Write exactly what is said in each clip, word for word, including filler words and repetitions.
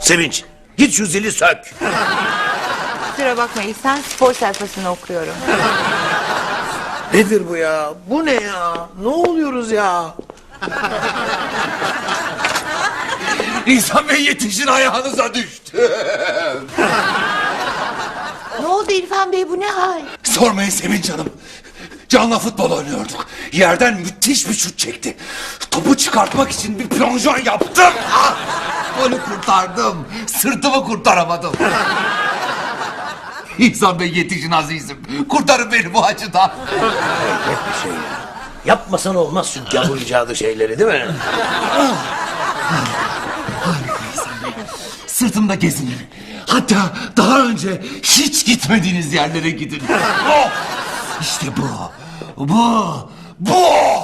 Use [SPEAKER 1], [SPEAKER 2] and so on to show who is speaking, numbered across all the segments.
[SPEAKER 1] Sevinç, git şu zili sök.
[SPEAKER 2] Kusura bakma İhsan, spor sayfasını okuyorum.
[SPEAKER 1] Nedir bu ya? Bu ne ya? Ne oluyoruz ya?
[SPEAKER 3] İhsan Bey yetişin, ayağınıza düştü.
[SPEAKER 2] Ne oldu İrfan Bey, bu ne hal?
[SPEAKER 3] Sormayın Sevinç Hanım. Can'la futbol oynuyorduk. Yerden müthiş bir şut çekti. Topu çıkartmak için bir plonjon yaptım. Ah! Onu kurtardım. Sırtımı kurtaramadım. İhsan Bey yetişin azizim. Kurtarın beni bu acıdan.
[SPEAKER 1] Hep bir şey ya. Yapmasan olmaz şu gavur icadı şeyleri, değil mi?
[SPEAKER 3] Sırtımda gezinin. Hatta daha önce hiç gitmediğiniz yerlere gidin. Oh! İşte bu. Bu. Bu.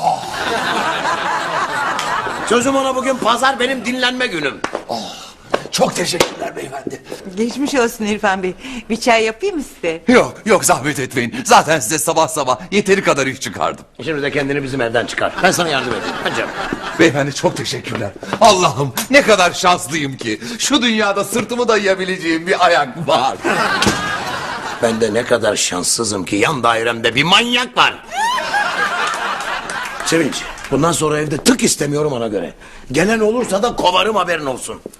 [SPEAKER 1] Sözüm ona, bugün pazar, benim dinlenme günüm.
[SPEAKER 3] Çok teşekkürler beyefendi.
[SPEAKER 2] Geçmiş olsun İrfan Bey. Bir çay yapayım mı size?
[SPEAKER 3] Yok yok, zahmet etmeyin. Zaten size sabah sabah yeteri kadar iş çıkardım.
[SPEAKER 1] Şimdi de kendini bizim evden çıkar. Ben sana yardım edeyim. Hadi canım.
[SPEAKER 3] Beyefendi çok teşekkürler. Allah'ım ne kadar şanslıyım ki. Şu dünyada sırtımı dayayabileceğim bir ayak var.
[SPEAKER 1] Ben de ne kadar şanssızım ki yan dairemde bir manyak var. Sevinç, bundan sonra evde tık istemiyorum, ona göre. Gelen olursa da kovarım, haberin olsun.